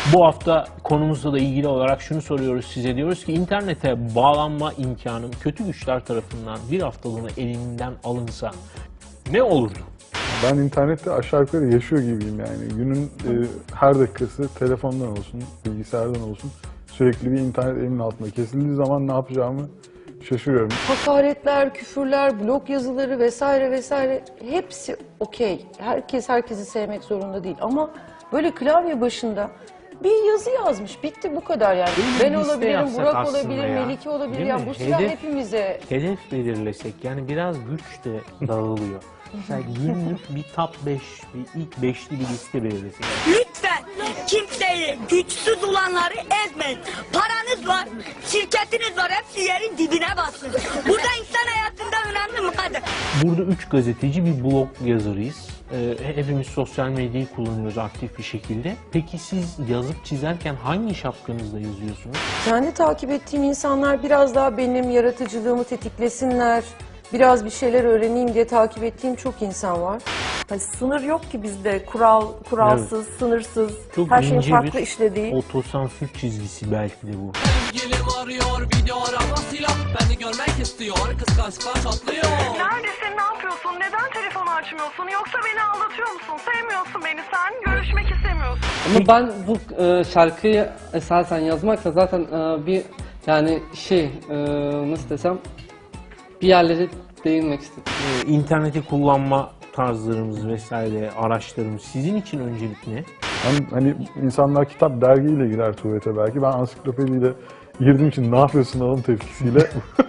Bu hafta konumuzla da ilgili olarak şunu soruyoruz size. Diyoruz ki internete bağlanma imkanım kötü güçler tarafından bir haftalığına elinden alınsa ne olurdu? Ben internette aşağı yukarı yaşıyor gibiyim yani. Günün her dakikası telefondan olsun, bilgisayardan olsun sürekli bir internet elimin altında. Kesildiği zaman ne yapacağımı şaşırıyorum. Hakaretler, küfürler, blog yazıları vesaire vesaire hepsi okey. Herkes herkesi sevmek zorunda değil ama böyle klavye başında bir yazı yazmış. Bitti bu kadar yani. Böyle Ben bir liste olabilirim, yapsak Burak aslında olabilir, ya. Melike olabilir. Değil Yani mi? bu silah hepimize. Hedef belirlesek yani biraz güç de dağılıyor. Mesela günlük bir top 5, bir ilk 5'li bir liste belirlesek. Lütfen kimseyi, güçsüz olanları ezmeyin. Paranız var, şirketiniz var, hepsi yerin dibine bassın. Burada insan hayatında önemli mi kadar? Burada 3 gazeteci bir blog yazarıyız. Hepimiz sosyal medyayı kullanıyoruz aktif bir şekilde. Peki siz yazıp çizerken hangi şapkanızla yazıyorsunuz? Kendi takip ettiğim insanlar biraz daha benim yaratıcılığımı tetiklesinler, biraz bir şeyler öğreneyim diye takip ettiğim çok insan var. Hani sınır yok ki bizde. Kuralsız, sınırsız, Çok her şeyin ince farklı bir işlediği. otosansür çizgisi belki de bu. Sevgilim arıyor video aramasıyla beni görmek istiyor kıskançlıklar çatlıyor. Neredesin, ne yapıyorsun, neden telefonu açmıyorsun, yoksa beni aldatıyor musun, sevmiyorsun beni sen, görüşmek istemiyorsun. Ama ben bu şarkıyı esasen yazmakla zaten bir yani nasıl desem bir yerlere değinmek istedim. İnterneti kullanma tarzlarımız vesaire, araçlarımız sizin için öncelik ne? Hani insanlar kitap, dergiyle girer tuvalete belki. Ben ansiklopediyle girdiğim için ne yapıyorsun oğlum tepkisiyle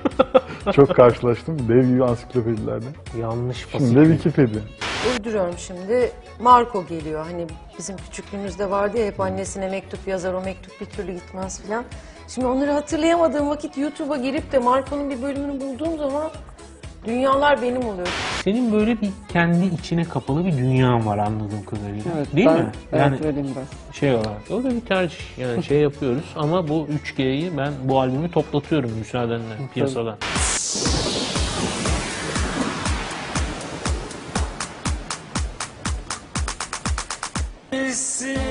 çok karşılaştım. Dev gibi ansiklopedilerde. Yanlış Şimdi de fasikül. Wikipedia. Uyduruyorum şimdi. Marco geliyor. Hani bizim küçüklüğümüzde vardı ya hep annesine mektup yazar, o mektup bir türlü gitmez filan. Şimdi onları hatırlayamadığım vakit YouTube'a girip de Marco'nun bir bölümünü bulduğum zaman dünyalar benim oluyor. Senin böyle bir kendi içine kapalı bir dünyan var anladığım kadarıyla. Evet, Değil ben, mi? Evet, Yani öyleyim ben. şey olarak. O da bir tercih. Yani şey yapıyoruz ama bu 3G'yi ben bu albümü toplatıyorum müsaadenle piyasadan. Bilsin